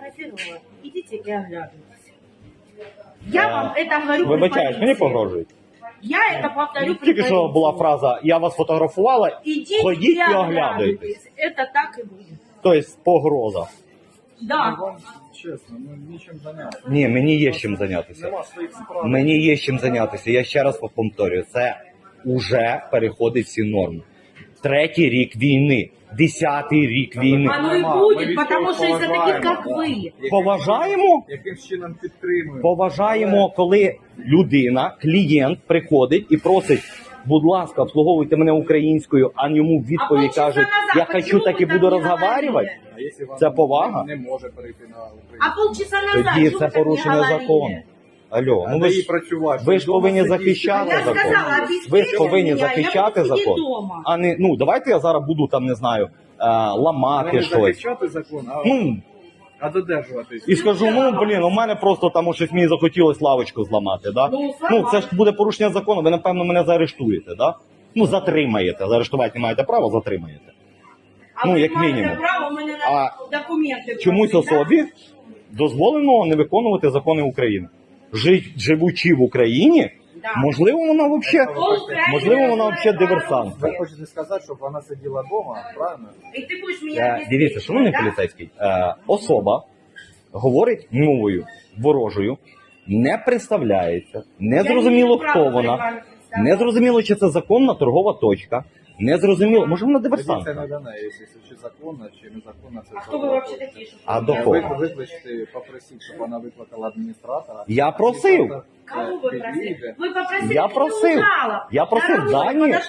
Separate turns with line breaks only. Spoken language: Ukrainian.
сфотографировала. Идите и оглядывайтесь. Я вам это говорю.
Вибачаюсь, мені погрожують.
Я это повторю.
Тільки що була фраза «я вас фотографувала»,
Идите
ходіть
и
і оглядуйтесь.
Это так и будет.
Тобто погроза.
Да.
Вам чесно, нічим зайнятися.
Ні, мені є чим зайнятися.
Нема своїх справ.
Мені є чим зайнятися. Я ще раз повторюю, це уже переходить всі норми. 3-й рік війни, 10-й рік війни.
Оно и
Ми
будет,
від
потому
цього
что из-за таких,
поважаємо.
как вы.
Поважаємо?
Яким чином підтримуємо?
Поважаємо, коли людина, клієнт приходить і просить, будь ласка, обслуговуйте мене українською, а йому в відповідь
полчаса
кажуть,
назад
я
почему
хочу так і
ви так
буду
не
розговарювати.
говорили?
А якщо вам
Це повага?
не може перейти на Україну?
А полчаса назад
Тоді
что
це
вы так не
порушення
говорили?
закону. Алло, ну
Треба
ви
їй
ж,
працювати.
ви ж
Вдома
повинні
сидіти.
захищати
Я
закон.
сказала,
Ви ж
обеспечьте
повинні
меня, я
захищати
буду сидеть
закон.
дома.
А не, ну, давайте я зараз буду там, не знаю, ламати
Не
щось.
захищати закон,
Ну,
а додержуватись.
і скажу, ну, блін, у мене просто там щось мені захотілось лавочку зламати, да? Ну, це ж буде порушення закону, ви, напевно, мене заарештуєте, да? Ну, затримаєте, заарештувати не маєте права, затримаєте.
А
Ну,
ви
як
маєте
мінімум.
право, у мене
А
на документи.
Чомусь
просто,
особі дозволено не виконувати закони України. Живучи в Україні,
Да.
можливо, вона взагалі,
Україна
можливо, вона
знає
взагалі диверсант.
Ви хочете сказати, щоб вона сиділа вдома, правильно?
І ти будеш мене
Дивіться, шановний
да?
поліцейський, особа говорить мовою ворожою, не представляється, не зрозуміло, хто вона, не зрозуміло, чи це законна торгова точка, не зрозуміло, може вона
Тоді це
диверсант.
не дане, якщо чи законно, чи незаконно, це
А хто ви взагалі такі? Що
А
ви
до
мене
кого?
знаєте?
Викличте, попросіть, щоб вона викликала адміністратора.
Я просив.
Кого ви просили?
Підійде.
Ви попросили
Я просив.
жалоб.
Я просив
Дорогой,
дані.
подожди.